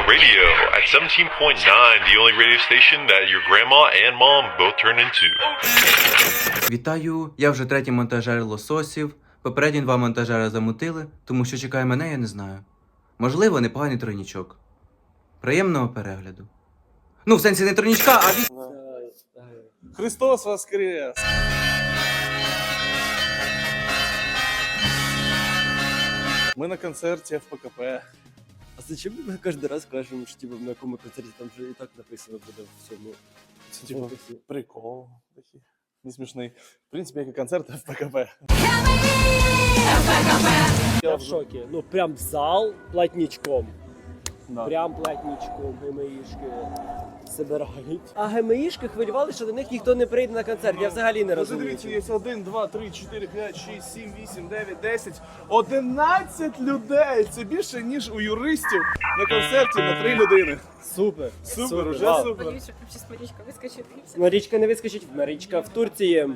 Radio at 17.9, the only radio station that your grandma and mom both turn into. Вітаю, я вже третій монтажер лососів. Попередні два монтажера замутили, тому що чекає мене, я не знаю. Можливо, непоганий тройнічок. Приємного перегляду. Ну, в сенсі не тройнічка, а від... Христос воскрес! Ми на концерті ФПКП. А зачем ми кожен раз кажемо, що типу, на якому концерті там вже і так написано буде в цьому? Це типу прикол такий. Не смішний. В принципі, як і концерт ФПКП. Я в шокі. Ну прям зал платничком. Да. Прям платничком ГМІшки збирають. А ГМІшки хвилювали, що до них ніхто не прийде на концерт. Я взагалі не розумію. Дивіться, є 1, 2, 3, 4, 5, 6, 7, 8, 9, 10, 11 людей! Це більше, ніж у юристів на концерті на 3 людини. Супер. Супер, уже Вау. супер. Боюсь, щоб зараз Марічка вискочить. Марічка не вискочить. Марічка в Турції.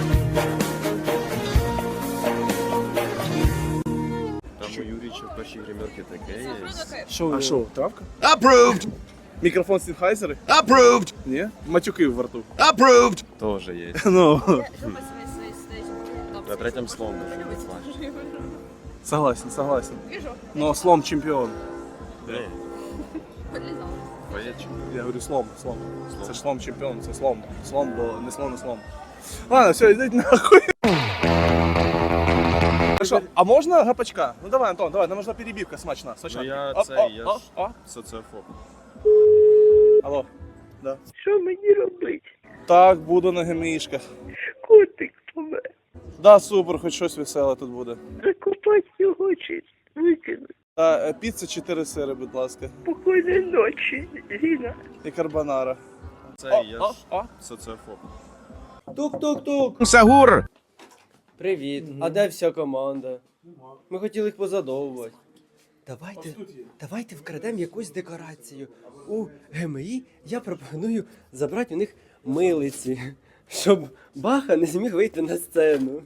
Там у Юріча в першій гримерці таке є. А що, травка? Approved! Мікрофон Sennheiser? Approved! Ні? Матюки в рту. Approved! Тоже є. Ну, На третьому словом. согласен, согласен. Но слом чемпіон. Ні. Поєдчик. Я говорю слом. Це ж слом чемпіон, це слом. Слом, бо не слон, не слом. Ладно, все, йдіть нахуй. Хорошо, а можна гапачка? Ну давай, Антон, давай, нам нужна перебивка смачна. Ну я Оп, цей, оп, я оп, ж оп. соціофоб. Алло. Да. Що мені робити? Так, буду на гемішках. Котик помер. Да, супер, хоч щось веселе тут буде. Закопати його чи викинути. Піца 4 сири, будь ласка. Спокійної ночі, Зіна. І карбонара. Цей, я ж соціофоб. Тук-тук-тук. Сагур! Привіт. А де вся команда? Ми хотіли їх позадовувати. Давайте вкрадемо якусь декорацію. У ГМІ я пропоную забрати у них милиці, щоб Баха не зміг вийти на сцену.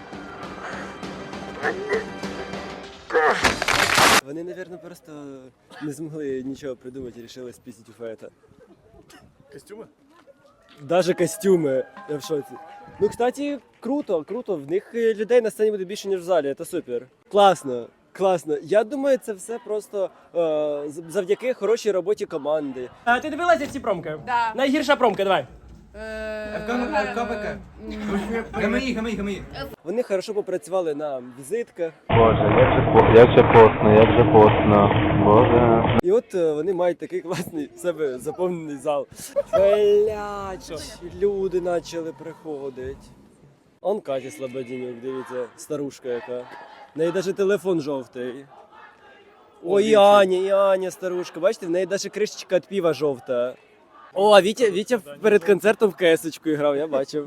Вони, мабуть, просто не змогли нічого придумати і вирішили спіздити у Фета. Костюми? Даже костюми, я в шоці. Ну, кстати, круто. В них людей на сцені буде більше, ніж в залі, це супер. Класно. Я думаю, це все просто завдяки хорошій роботі команди. А ти дивилася всі промки? Да. Найгірша промка, давай. ФКПК. ГМІ. Вони хорошо попрацювали на візитках. Боже, як же постно, Боже. І от вони мають такий класний в себе заповнений зал. Блять, люди почали приходити. Он Катя Слободінюк, дивіться, старушка яка. В неї навіть телефон жовтий. Ой, і Аня старушка. Бачите, в неї навіть кришечка від пива жовта. О, а Вітя перед концертом в КС-очку грав, я бачив.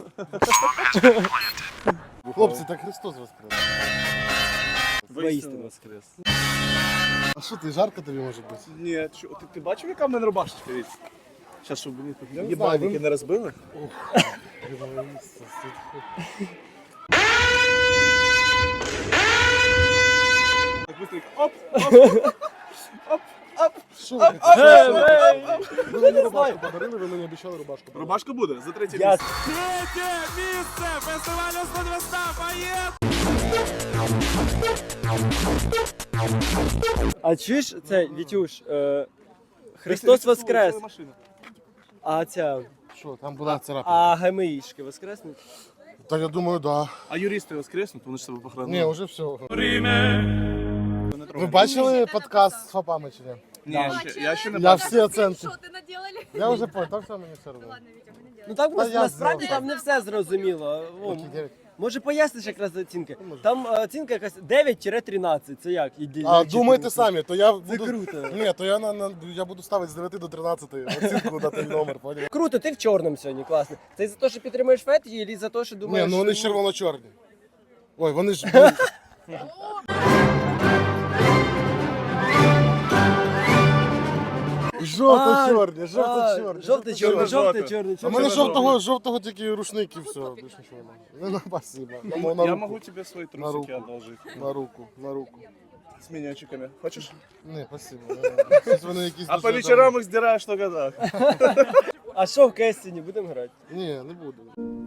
Хлопці, так Христос воскрес. Воістину воскрес. А що ти, жарко тобі може бути? Ні, ти бачив, яка в мене рубашечка від? Зараз, щоб мені тут Я не їбальники знаю, не розбили. Так быстренько. Оп! Що Ап, ви? ап, Ви мені рубашку подарили, ви мені обіцяли рубашку. Рубашка буде за третє Я... місце. А чуєш це, Вітюш, Христос воскрес, а ця, Що, там була царапина? а ГМІшки воскреснуть? Та я думаю, да. А юристи воскреснуть, вони ж себе Ні, похоронили. вже все. Ви бачили подкаст з ФАПами чи ні? Ні, я ще не Я бачив. всі оценки. Що ти наделали? Я вже понял, там все мені все одно. Ладно, Вітя, ми не Ну делали. там Та я насправді знав. там не все зрозуміло. О, Окей, 9. може поясниш якраз оцінки? може. Там оцінка якась 9-13, це як? А думайте самі, то я Це буду... круто. Ні, то я буду ставити з 9 до 13 оцінку на той номер, поняв? Круто, ти в чорному сьогодні, класно. Це за те, що підтримуєш Фет, і за те, що Ні, думаєш... ну вони ж червоно-чорні. Ой, вони ж... Жовто-чорні, жовто-чорні. Жовто-чорний. А в мене жовтого тільки рушник і все. Більше нічого немає. Ну, спасибо. Я можу тебе свої На руку. трусики одолжити. На руку. з міньончиками. Хочеш? Ні, спасибо. Щось вони якісь А по дуже вечорам їх здираєш тільки так. А що в Кестіні, будемо грати? там- Ні, не буду.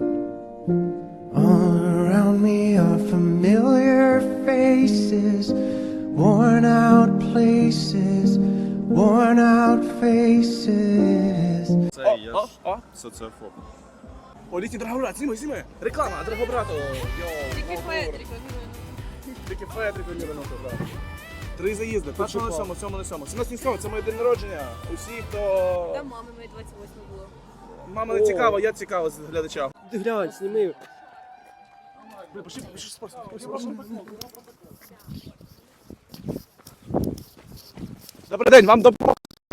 All around me are familiar faces, worn out places, worn out faces. Це я ж О. соціофоб. О, літній Драгобрат, зніми. Реклама, Драгобрату. Трики Фед рекламируем. Трики Фед рекламіруємо, так. 3 заїзди, 1 на 7, 7 на 7. 17 це моє день народження. Усі, хто... Там мами моей 28 було. Мама не цікава, я цікава з глядача. Ти глянь, сніми. Блин, пошли спорт. Пошли. Добрий день, вам допомогти?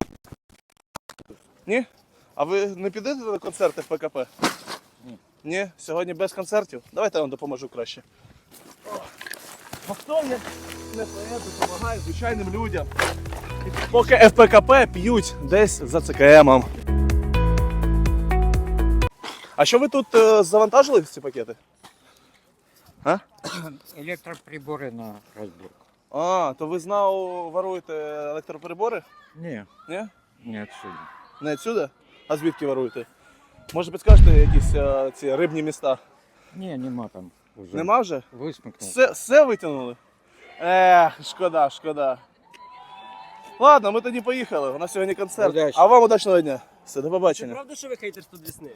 Ні? А ви не підете на концерти в ПКП? Ні. Сьогодні без концертів? Давайте я вам допоможу краще. А хто як не поет допомагає звичайним людям? Поки ФПКП п'ють десь за ЦКМом. А що ви тут завантажили ці пакети? А? Електроприбори на розборку. А, то ви знову воруєте електроприбори? Ні, Ні? не отсюда. Не відсюди? А звідки воруєте? Може підскажете якісь ці рибні міста? Ні, нема там уже. Нема вже? Висмикнув. Все витягнули? Шкода. Ладно, ми тоді поїхали. У нас сьогодні концерт. Удачі. А вам удачного дня. Все, до Це побачення. правда, що ви хейтерство Десни?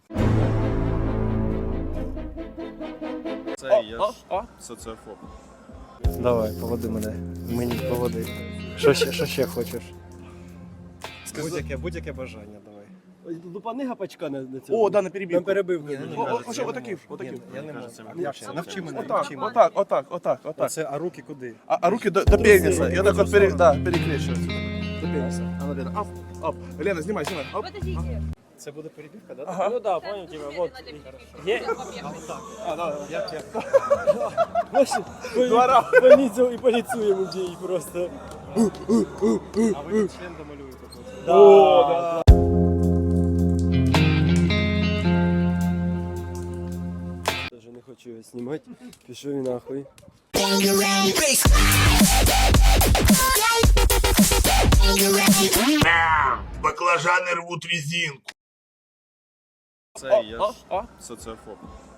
Це я ж соціофоб. Давай, поводи мене. Мені поводи. Що ще хочеш? Будь-яке бажання, давай. Лупани гапачка на цьому. О, да, на перебіг. Нам перебив. Що, отакий. Я не можу. Навчи мене. Отак. Це, а руки куди? А руки до пениса. Я так от перекрещу. До пениса. А ну, Лена, оп. Лена, знімай. Оп. Подождите. Це буде перебівка, да? Ага. Ну да, понял тебя. Вот. Є? А, давай. Больницу і поліцю йому дій просто. А ви член домалюєте. О, да. Даже не хочу його знімати. Пішов і нахуй. Баклажани рвуть резинку. Це я ж соціофоб.